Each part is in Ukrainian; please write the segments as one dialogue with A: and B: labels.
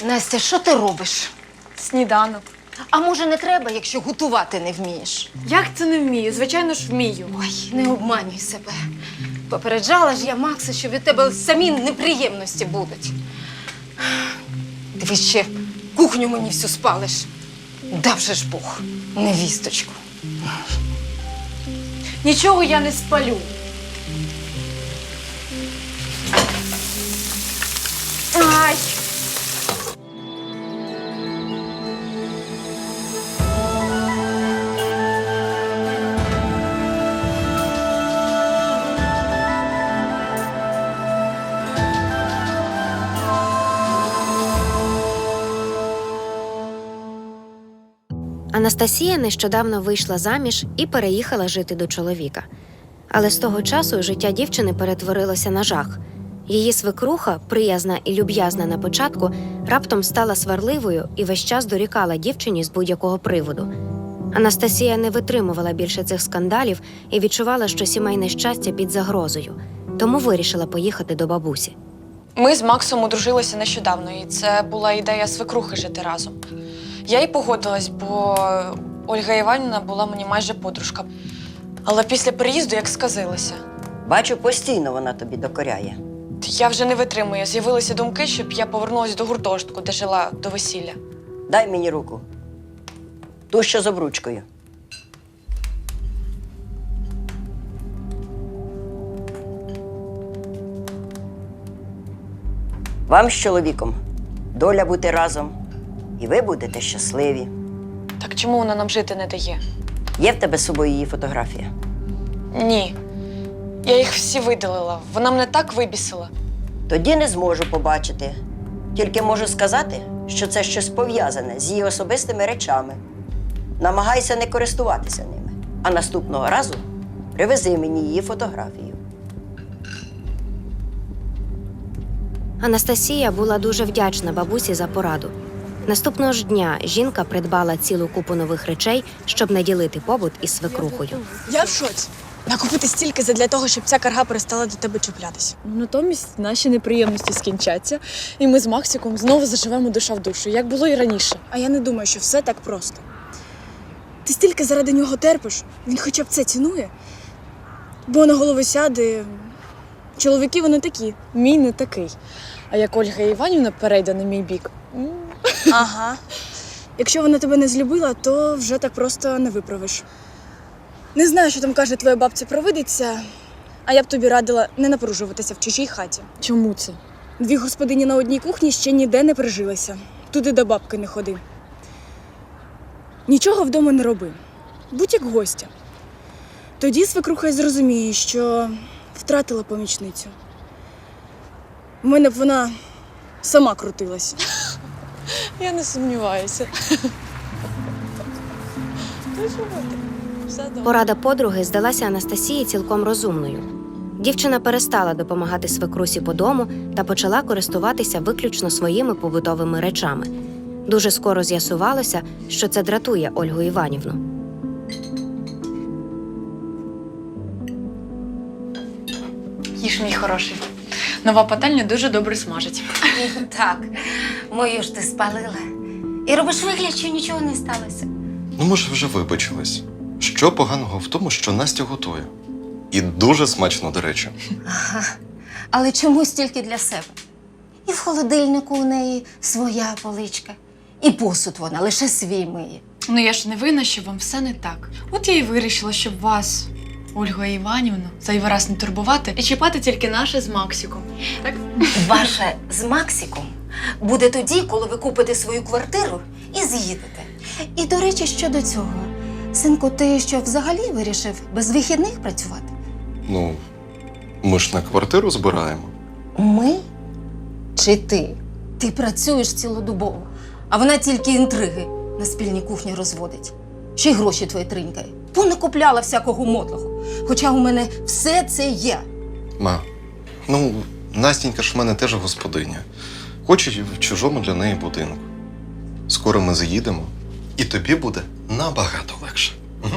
A: Настя, що ти робиш?
B: Сніданок.
A: А може не треба, якщо готувати не вмієш?
B: Як це не вмію? Звичайно ж вмію.
A: Ой, не обманюй себе. Попереджала ж я Макса, що від тебе самі неприємності будуть. Ти ще кухню мені всю спалиш. Дав же ж Бог, невісточку.
B: Нічого я не спалю. Ай!
C: Анастасія нещодавно вийшла заміж і переїхала жити до чоловіка. Але з того часу життя дівчини перетворилося на жах. Її свекруха, приязна і люб'язна на початку, раптом стала сварливою і весь час дорікала дівчині з будь-якого приводу. Анастасія не витримувала більше цих скандалів і відчувала, що сімейне щастя під загрозою. Тому вирішила поїхати до бабусі.
B: Ми з Максом одружилися нещодавно, і це була ідея свекрухи жити разом. Я й погодилась, бо Ольга Іванівна була мені майже подружка. Але після переїзду як сказилася.
D: Бачу, постійно вона тобі докоряє.
B: Я вже не витримую. З'явилися думки, щоб я повернулася до гуртожитку, де жила до весілля.
D: Дай мені руку. Ту, що з обручкою. Вам з чоловіком доля бути разом. І ви будете щасливі.
B: Так чому вона нам жити не дає?
D: Є в тебе з собою її фотографія?
B: Ні. Я їх всі видалила. Вона мене так вибісила.
D: Тоді не зможу побачити. Тільки можу сказати, що це щось пов'язане з її особистими речами. Намагайся не користуватися ними. А наступного разу привези мені її фотографію.
C: Анастасія була дуже вдячна бабусі за пораду. Наступного ж дня жінка придбала цілу купу нових речей, щоб не ділити побут із свекрухою.
E: Я в шоці. Накупити стільки задля того, щоб ця карга перестала до тебе чіплятися.
F: Натомість наші неприємності скінчаться, і ми з Максиком знову заживемо душа в душу, як було і раніше.
E: А я не думаю, що все так просто. Ти стільки заради нього терпиш, він хоча б це цінує. Бо на голову сяде. Чоловіки вони такі.
F: Мій не такий. А як Ольга Іванівна перейде на мій бік,
E: Ага. Якщо вона тебе не злюбила, то вже так просто не виправиш. Не знаю, що там каже твоя бабця-провидиця, а я б тобі радила не напружуватися в чужій хаті.
F: чому це?
E: Дві господині на одній кухні ще ніде не прижилися. Туди до бабки не ходи. Нічого вдома не роби. Будь як гостя. Тоді свекруха й зрозуміє, що втратила помічницю. У мене б вона сама крутилась.
F: Я не сумніваюся. Все добре.
C: Порада подруги здалася Анастасії цілком розумною. Дівчина перестала допомагати свекрусі по дому та почала користуватися виключно своїми побутовими речами. Дуже скоро з'ясувалося, що це дратує Ольгу Іванівну.
B: Їж, мій хороший. Нова пательня дуже добре смажить.
A: Так, мою ж ти спалила. І робиш вигляд, що нічого не сталося.
G: Ну, може, вже вибачилась. Що поганого в тому, що Настя готує? І дуже смачно, до речі.
A: Ага. Але чомусь тільки для себе. І в холодильнику у неї своя поличка. І посуд вона лише свій миє.
B: Ну я ж не винна, що вам все не так. От я і вирішила, щоб вас, Ольга Іванівна, зайвий раз не турбувати і чіпати тільки наше з Максиком. Так?
A: Ваше з Максиком буде тоді, коли ви купите свою квартиру і з'їдете. І, до речі, щодо цього. Синку, ти що, взагалі вирішив без вихідних працювати?
G: Ну, ми ж на квартиру збираємо.
A: Ми чи ти? Ти працюєш цілодобово, а вона тільки інтриги на спільній кухні розводить. Ще й гроші твої тринькає. Понакупляла всякого мотлого. Хоча у мене все це є.
G: Ма, ну, Настінька ж в мене теж господиня. Хоче в чужому для неї будинку. Скоро ми заїдемо, і тобі буде набагато легше. Угу.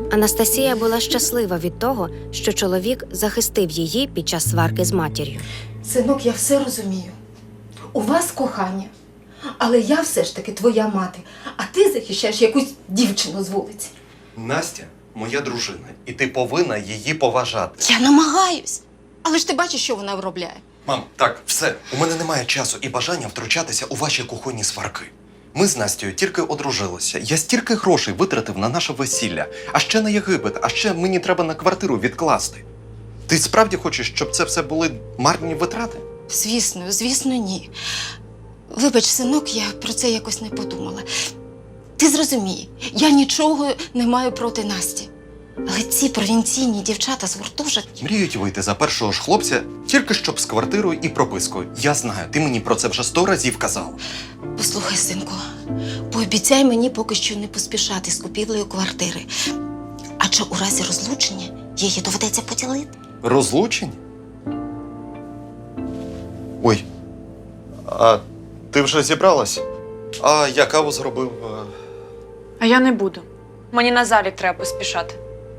C: Анастасія була щаслива від того, що чоловік захистив її під час сварки з матір'ю.
A: Синок, я все розумію. У вас кохання, але я все ж таки твоя мати, а ти захищаєш якусь дівчину з вулиці.
G: Настя моя дружина, і ти повинна її поважати.
A: Я намагаюсь. Але ж ти бачиш, що вона виробляє.
G: Мам, так, все. У мене немає часу і бажання втручатися у ваші кухонні сварки. Ми з Настю тільки одружилися. Я стільки грошей витратив на наше весілля, а ще на Єгипет, а ще мені треба на квартиру відкласти. Ти справді хочеш, щоб це все були марні витрати?
A: Звісно, ні. Вибач, синок, я про це якось не подумала. Ти зрозумій, я нічого не маю проти Насті. Але ці провінційні дівчата з гуртожитків...
G: Мріють вийти за першого ж хлопця, тільки щоб з квартирою і пропискою. Я знаю, ти мені про це вже 100 разів казала.
A: Послухай, синку, пообіцяй мені поки що не поспішати з купівлею квартири. Адже у разі розлучення її доведеться поділити.
G: Розлучень? Ой, а ти вже зібралась? А я каву зробив.
B: А я не буду. Мені на залік треба поспішати.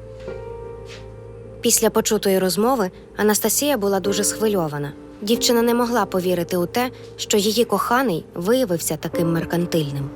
C: Після почутої розмови Анастасія була дуже схвильована. Дівчина не могла повірити у те, що її коханий виявився таким меркантильним.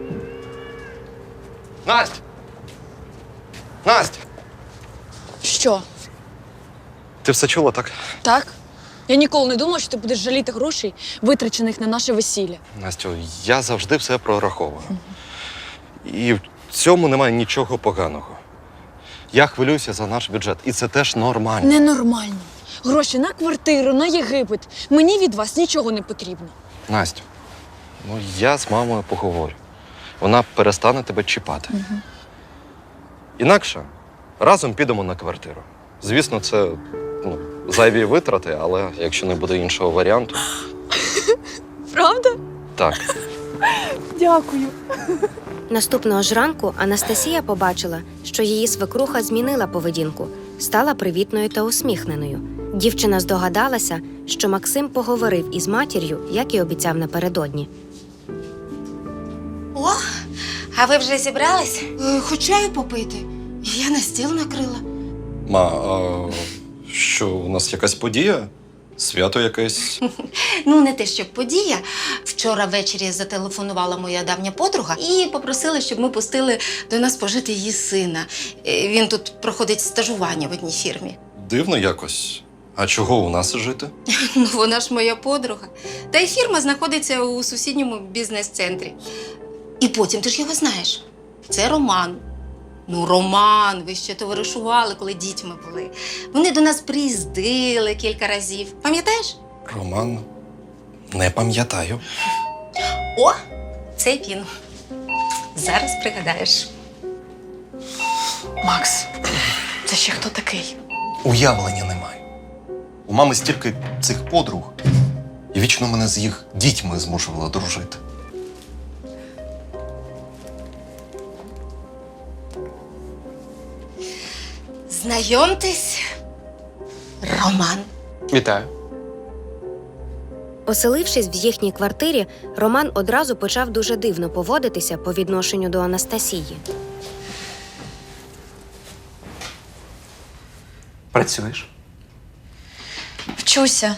G: Настя! Настя!
F: Що?
G: Ти все чула, так?
F: Так? Я ніколи не думала, що ти будеш жаліти грошей, витрачених на наше весілля.
G: Настю, я завжди все прораховую. І в цьому немає нічого поганого. Я хвилююся за наш бюджет, і це теж нормально.
F: Ненормально. Гроші на квартиру, на Єгипет. Мені від вас нічого не потрібно.
G: Настю, ну я з мамою поговорю. Вона перестане тебе чіпати. Інакше разом підемо на квартиру. Звісно, це зайві витрати, але якщо не буде іншого варіанту.
F: Правда?
G: Так.
F: Дякую.
C: Наступного ж ранку Анастасія побачила, що її свекруха змінила поведінку, стала привітною та усміхненою. Дівчина здогадалася, що Максим поговорив із матір'ю, як і обіцяв напередодні.
A: О, а ви вже зібрались? Хоч чаю попити. Я на стіл накрила.
G: Ма, а що, у нас якась подія? Свято якесь?
A: Ну, не те, щоб подія. Вчора ввечері зателефонувала моя давня подруга і попросила, щоб ми пустили до нас пожити її сина. Він тут проходить стажування в одній фірмі.
G: Дивно якось. А чого у нас жити?
A: Ну, вона ж моя подруга. Та й фірма знаходиться у сусідньому бізнес-центрі. І потім, ти ж його знаєш. Це Роман. Ну, Роман, ви ще товаришували, коли дітьми були. Вони до нас приїздили кілька разів. Пам'ятаєш?
G: Роман, не пам'ятаю.
A: О, це він. Зараз пригадаєш.
B: Макс, це ще хто такий?
G: Уявлення немає. У мами стільки цих подруг, і вічно мене з їх дітьми змушувала дружити.
A: Знайомтесь, Роман.
H: Вітаю.
C: Оселившись в їхній квартирі, Роман одразу почав дуже дивно поводитися по відношенню до Анастасії.
H: Працюєш?
B: Вчуся.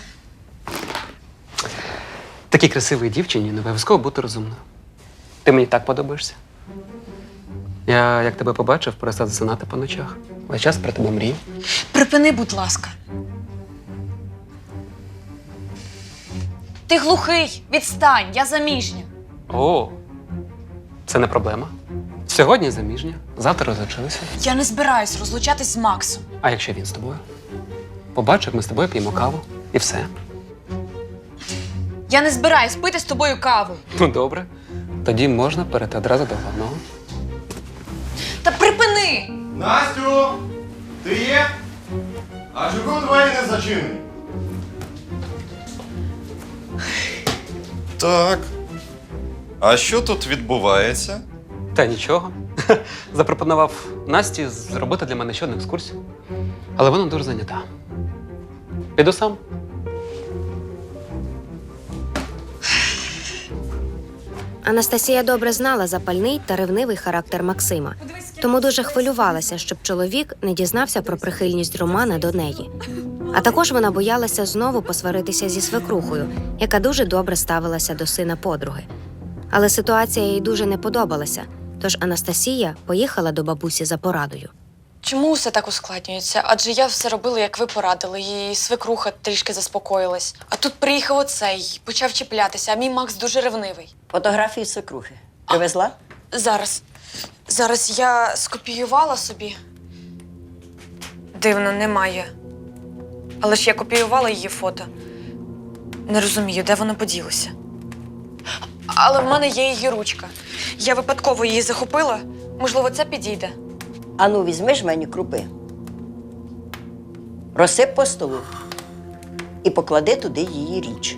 H: Такій красивій дівчині не обов'язково бути розумною. Ти мені так подобаєшся. Я, як тебе побачив, перестав засинати по ночах. Весь час про тебе мрію.
B: Припини, будь ласка. Ти глухий, відстань, я заміжня.
H: О, це не проблема. Сьогодні заміжня, завтра розлучилися.
B: Я не збираюсь розлучатись з Максом.
H: А якщо він з тобою? Побачив, ми з тобою п'ємо каву і все.
B: Я не збираюсь пити з тобою каву.
H: Ну добре, тоді можна перейти одразу до головного.
B: Та припини!
G: Настю! Ти є? А чого двері не зачинені? Так. А що тут відбувається?
H: Та нічого. Запропонував Насті зробити для мене ще одну екскурсію. Але вона дуже зайнята. Піду сам.
C: Анастасія добре знала запальний та ревнивий характер Максима, тому дуже хвилювалася, щоб чоловік не дізнався про прихильність Романа до неї. А також вона боялася знову посваритися зі свекрухою, яка дуже добре ставилася до сина подруги. Але ситуація їй дуже не подобалася, тож Анастасія поїхала до бабусі за порадою.
B: Чому все так ускладнюється? Адже я все робила, як ви порадили, і свекруха трішки заспокоїлась. А тут приїхав оцей, почав чіплятися, а мій Макс дуже ревнивий.
D: Фотографії свекрухи. Привезла?
B: Зараз я скопіювала собі. Дивно, немає. Але ж я копіювала її фото. Не розумію, де воно поділося. Але в мене є її ручка. Я випадково її захопила. Можливо, це підійде.
D: Ану, візьми ж мені крупи. Розсип по столу і поклади туди її річ.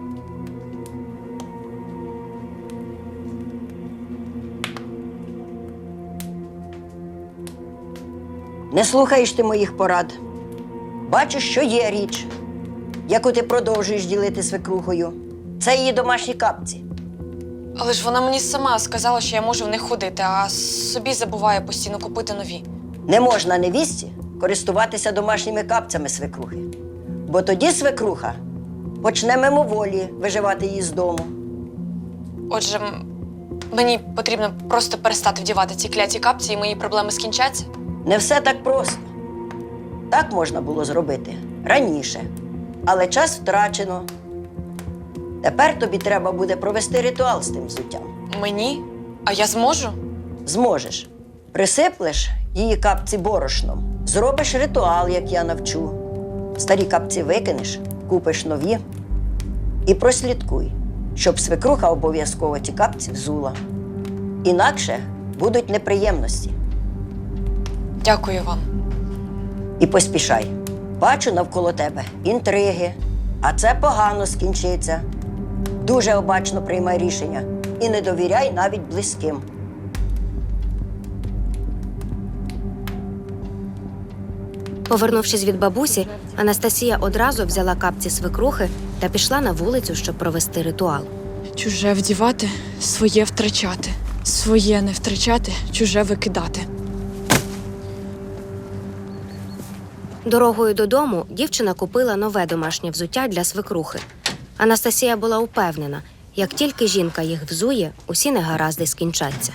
D: Не слухаєш ти моїх порад. Бачиш, що є річ, яку ти продовжуєш ділити свекрухою. Це її домашні капці.
B: Але ж вона мені сама сказала, що я можу в них ходити, а собі забуває постійно купити нові.
D: Не можна невістці користуватися домашніми капцями свекрухи. Бо тоді свекруха почне мимоволі виживати її з дому.
B: Отже, мені потрібно просто перестати вдівати ці кляті капці, і мої проблеми скінчаться.
D: Не все так просто. Так можна було зробити раніше, але час втрачено. Тепер тобі треба буде провести ритуал з тим взуттям.
B: Мені? А я зможу?
D: Зможеш. Присиплеш її капці борошном, зробиш ритуал, як я навчу. Старі капці викинеш, купиш нові і прослідкуй, щоб свекруха обов'язково ті капці взула. Інакше будуть неприємності.
B: Дякую вам.
D: І поспішай. Бачу навколо тебе інтриги, а це погано скінчиться. Дуже обачно приймай рішення і не довіряй навіть близьким.
C: Повернувшись від бабусі, Анастасія одразу взяла капці свекрухи та пішла на вулицю, щоб провести ритуал.
F: Чуже вдівати, своє втрачати. Своє не втрачати, чуже викидати.
C: Дорогою додому дівчина купила нове домашнє взуття для свекрухи. Анастасія була упевнена, як тільки жінка їх взує, усі негаразди скінчаться.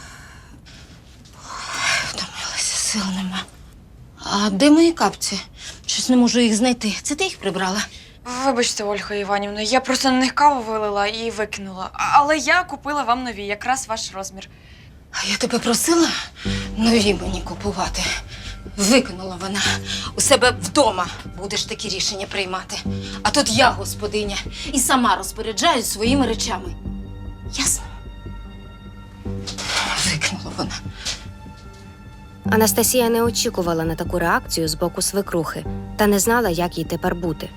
A: Втомилася, сил нема. А де мої капці? Щось не можу їх знайти. Це ти їх прибрала?
B: Вибачте, Ольга Іванівна, я просто на них каву вилила і викинула. Але я купила вам нові, якраз ваш розмір.
A: А я тебе просила нові мені купувати. Викинула вона. У себе вдома будеш такі рішення приймати. А тут я господиня і сама розпоряджаюсь своїми речами. Ясно? Викинула вона.
C: Анастасія не очікувала на таку реакцію з боку свекрухи та не знала, як їй тепер бути.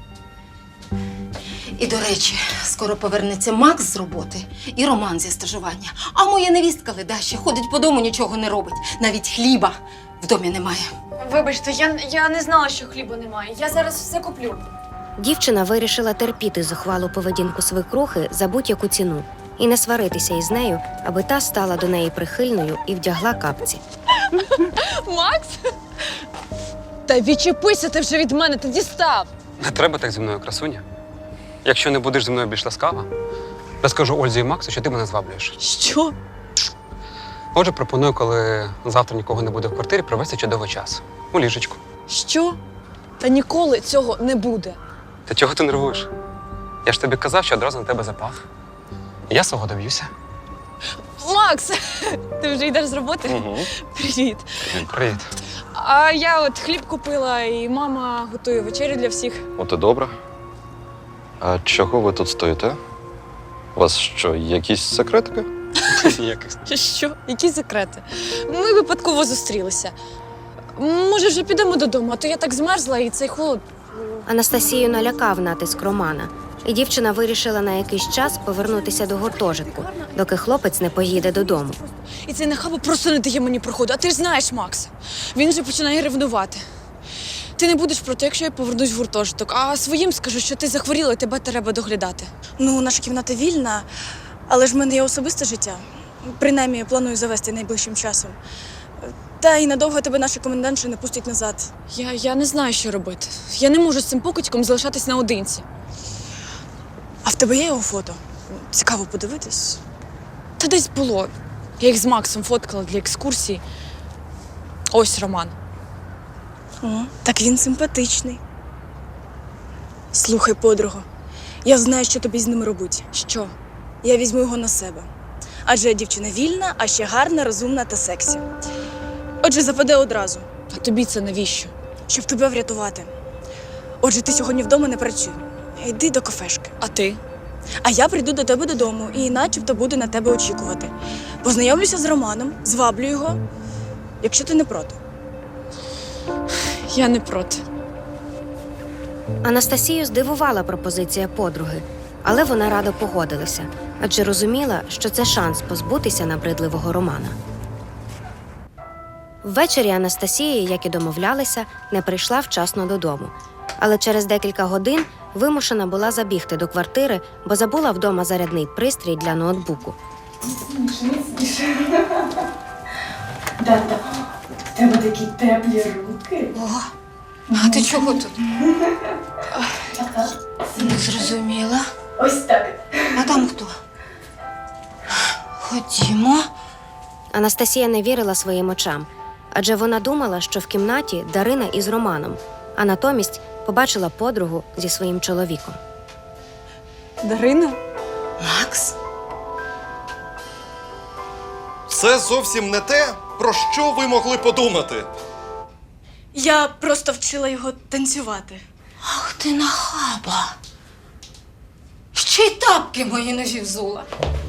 A: І, до речі, скоро повернеться Макс з роботи і Роман зі стажування. А моя невістка ледаща ходить по дому, нічого не робить. Навіть хліба в домі немає.
B: Вибачте, я не знала, що хліба немає. Я зараз все куплю.
C: Дівчина вирішила терпіти зухвалу поведінку свекрухи за будь-яку ціну і не сваритися із нею, аби та стала до неї прихильною і вдягла капці.
F: Макс? Та відчепися ти вже від мене, ти дістав.
H: Не треба так зі мною, красуня. Якщо не будеш зі мною більш ласкава, розкажу Ользі і Максу, що ти мене зваблюєш.
F: Що?
H: Отже, пропоную, коли завтра нікого не буде в квартирі, провести чудовий час. У ліжечку.
F: Що? Та ніколи цього не буде.
H: Та чого ти нервуєш? Я ж тобі казав, що одразу на тебе запав. Я свого доб'юся.
F: Макс, ти вже йдеш з роботи?
H: Угу.
F: Привіт.
H: Привіт.
F: А я от хліб купила, і мама готує вечерю для всіх.
G: От і добре. А чого ви тут стоїте? У вас що, якісь секретики?
F: Що? Які секрети? Ми випадково зустрілися. Може, вже підемо додому, а то я так змерзла, і цей холод.
C: Анастасію налякав натиск Романа, і дівчина вирішила на якийсь час повернутися до гуртожитку, доки хлопець не поїде додому.
F: І цей нахаба просто не дає мені проходу. А ти ж знаєш Макса. Він вже починає ревнувати. Ти не будеш проти, якщо я повернусь в гуртожиток, а своїм скажу, що ти захворіла і тебе треба доглядати.
E: Ну, наша кімната вільна, Але ж в мене є особисте життя. Принаймні, планую завести найближчим часом. Та й надовго тебе наші комендантші не пустять назад.
F: Я не знаю, що робити. Я не можу з цим покидьком залишатись наодинці.
E: А в тебе є його фото? Цікаво подивитись.
F: Та десь було. Я їх з Максом фоткала для екскурсії. Ось Роман.
E: О, так він симпатичний. Слухай, подруго, я знаю, що тобі з ним робить.
F: Що?
E: Я візьму його на себе. Адже дівчина вільна, а ще гарна, розумна та сексі. Отже, западе одразу,
F: А тобі це навіщо?
E: щоб тебе врятувати. Отже, ти сьогодні вдома не працюй. Йди до кафешки.
F: А ти?
E: А я прийду до тебе додому і начебто буду на тебе очікувати. Познайомлюся з Романом, зваблю його, якщо ти не проти.
F: Я не проти.
C: Анастасію здивувала пропозиція подруги, але вона радо погодилася, адже розуміла, що це шанс позбутися набридливого Романа. Ввечері Анастасія, як і домовлялися, не прийшла вчасно додому. Але через декілька годин вимушена була забігти до квартири, бо забула вдома зарядний пристрій для ноутбуку.
I: Тата, в тебе такі теплі руки.
A: О, а ти чого тут? Не зрозуміла.
I: Ось так.
A: А там хто? Ходімо.
C: Анастасія не вірила своїм очам, адже вона думала, що в кімнаті Дарина із Романом, а натомість побачила подругу зі своїм чоловіком.
F: Дарина?
A: Макс?
G: Це зовсім не те, про що ви могли подумати.
E: Я просто вчила його танцювати.
A: Ах ти нахаба. Ще й тапки мої нові взула.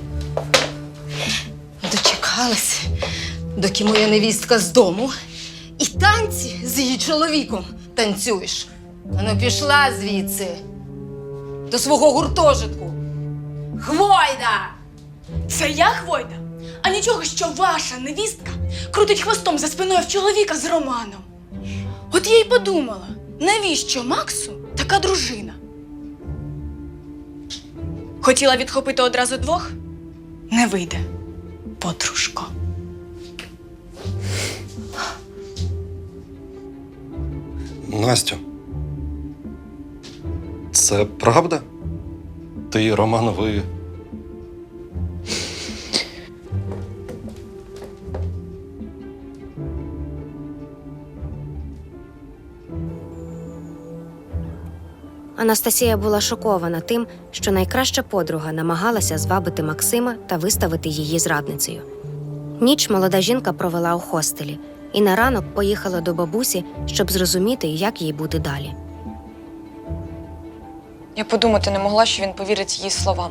A: Дочекалась, доки моя невістка з дому, і танці з її чоловіком танцюєш. Ану, пішла звідси до свого гуртожитку. Хвойда!
E: Це я Хвойда? А нічого, що ваша невістка крутить хвостом за спиною в чоловіка з Романом. От я й подумала, навіщо Максу така дружина? Хотіла відхопити одразу двох? Не вийде, подружко.
G: Настю, це правда? Ти і Роман, ви...
C: Анастасія була шокована тим, що найкраща подруга намагалася звабити Максима та виставити її зрадницею. Ніч молода жінка провела у хостелі і на ранок поїхала до бабусі, щоб зрозуміти, як їй бути далі.
B: Я подумати не могла, що він повірить її словам.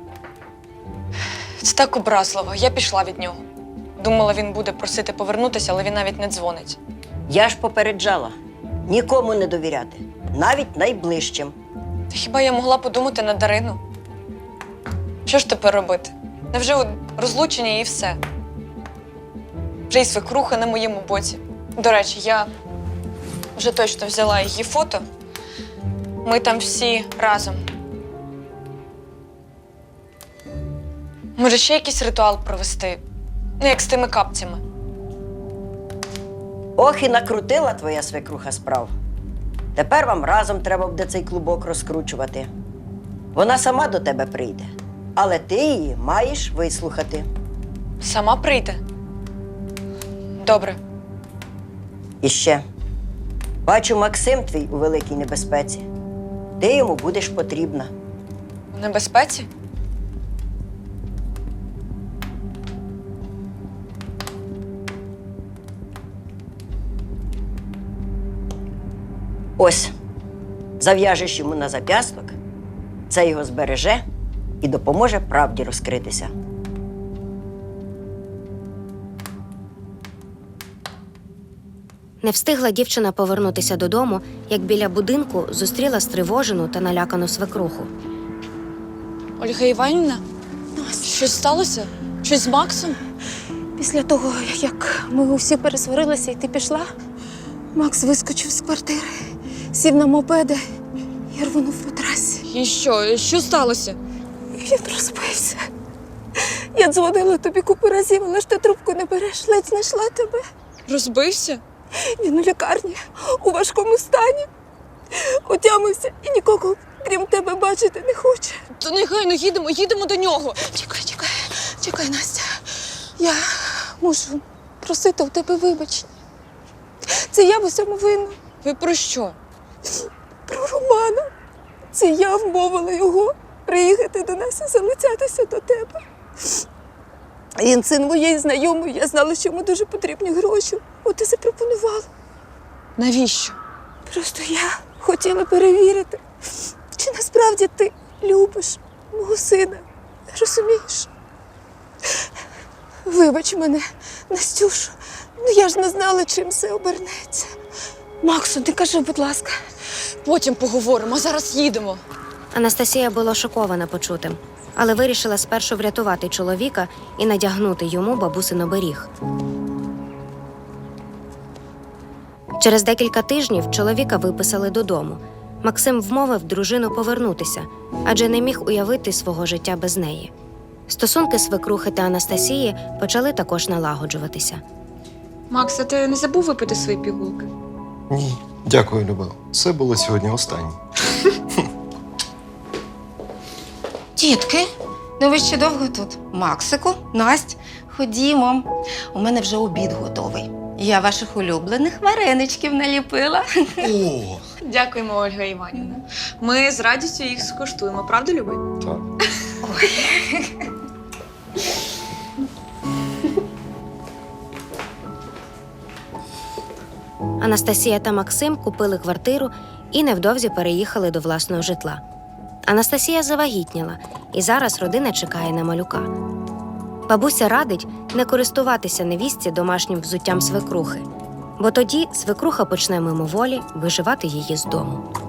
B: Це так образливо. Я пішла від нього. Думала, він буде просити повернутися, але він навіть не дзвонить.
D: Я ж попереджала нікому не довіряти, навіть найближчим.
B: Та хіба я могла подумати на Дарину? Що ж тепер робити? Невже от розлучення і все? Вже й свекруха на моєму боці. До речі, я вже точно взяла її фото. Ми там всі разом. Може, ще якийсь ритуал провести? Ну, як з тими капцями.
D: Ох, і накрутила твоя свекруха справ. Тепер вам разом треба буде цей клубок розкручувати. Вона сама до тебе прийде, але ти її маєш вислухати.
B: Сама прийде? Добре.
D: І ще. Бачу, Максим твій у великій небезпеці. Ти йому будеш потрібна.
B: У небезпеці?
D: Ось, зав'яжеш йому на зап'ясток, це його збереже і допоможе правді розкритися.
C: Не встигла дівчина повернутися додому, як біля будинку зустріла стривожену та налякану свекруху.
F: Ольга Іванівна? Щось сталося? Щось з Максом?
A: Після того, як ми усі пересварилися і ти пішла, Макс вискочив з квартири, сів на мопеди і рвонув по трасі.
F: І що? Що сталося?
A: Він розбився.
E: Я дзвонила тобі купу разів, але ж ти трубку не береш, ледь знайшла тебе.
F: Розбився?
E: Він у лікарні, у важкому стані. Отямився і нікого, крім тебе, бачити не хоче.
F: То негайно їдемо до нього.
E: Чекай, Настя. Я мушу просити у тебе вибачення. Це я в усьому винна.
F: Ви про що?
E: Про Романа. Це я вмовила його приїхати до нас і залицятися до тебе. Він син моєї знайомої, я знала, що йому дуже потрібні гроші. От і запропонувала.
F: Навіщо?
E: Просто я хотіла перевірити, чи насправді ти любиш мого сина. Розумієш? Вибач мене, Настюшо, ну я ж не знала, чим все обернеться. Максу, ти кажи, будь ласка.
F: Потім поговоримо, а зараз їдемо.
C: Анастасія була шокована почутим, але вирішила спершу врятувати чоловіка і надягнути йому бабусин оберіг. Через декілька тижнів чоловіка виписали додому. Максим вмовив дружину повернутися, адже не міг уявити свого життя без неї. Стосунки свекрухи та Анастасії почали також налагоджуватися.
B: Макс, а ти не забув випити свої пігулки?
G: Ні, дякую, Люба. Це було сьогодні останнє.
A: Тітки, ну ви ще довго тут? Максику, Насть, ходімо. У мене вже обід готовий. Я ваших улюблених вареничків наліпила.
G: О,
B: Дякуємо, Ольга Іванівна. Ми з радістю їх скуштуємо, правда, Люби?
G: так.
C: Анастасія та Максим купили квартиру і невдовзі переїхали до власного житла. Анастасія завагітніла, і зараз родина чекає на малюка. Бабуся радить не користуватися невістці домашнім взуттям свекрухи, бо тоді свекруха почне мимоволі виживати її з дому.